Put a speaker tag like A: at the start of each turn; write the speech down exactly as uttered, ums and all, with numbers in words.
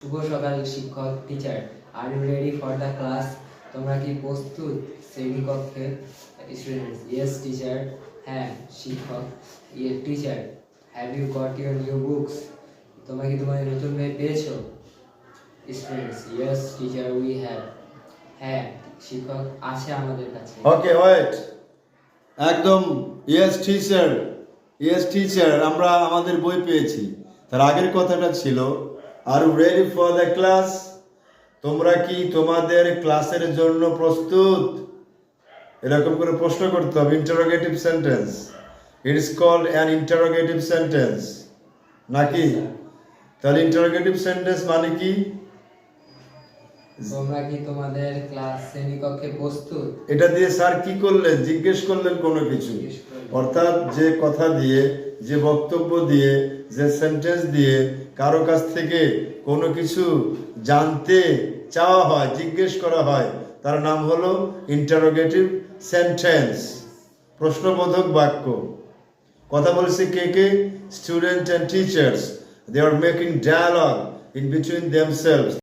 A: শুভ সকাল শিক্ষক teacher. Are you ready for the class? তোমরা কি প্রস্তুত শ্রেণীকক্ষে? Students: yes teacher. হ্যাঁ শিক্ষক। Yes teacher, have you got your new books? তোমরা কি তোমাদের নতুন বই পেয়েছো? Students: yes teacher, we have. হ্যাঁ শিক্ষক, আছে আমাদের কাছে।
B: ওকে ওয়েট, একদম ইয়েস টিচার, ইয়েস টিচার, আমরা আমাদের বই পেয়েছি। তার আগের কথাটা ছিল are you ready for the class? তোমরা কি তোমাদের ক্লাসের জন্য প্রস্তুত? এরকম করে প্রশ্ন করতে হবে, interrogative sentence. It is called an interrogative sentence, নাকি? তাহলে ইন্টারোগেটিভ সেন্টেন্স মানে কি?
A: তোমরা কি তোমাদের ক্লাস শ্রেণীকক্ষে প্রস্তুত?
B: এটা দিয়ে স্যার কি করলেন? জিজ্ঞেস করলেন কোনো কিছু, অর্থাৎ যে কথা দিয়ে, যে বক্তব্য দিয়ে, যে সেন্টেন্স দিয়ে কারো কাছ থেকে কোনো কিছু জানতে চাওয়া হয়, জিজ্ঞেস করা হয়, তার নাম হলো ইন্টারোগেটিভ সেন্টেন্স, প্রশ্নবোধক বাক্য। কথা বলছে কে কে? Student and teachers. They are making dialogue in between themselves.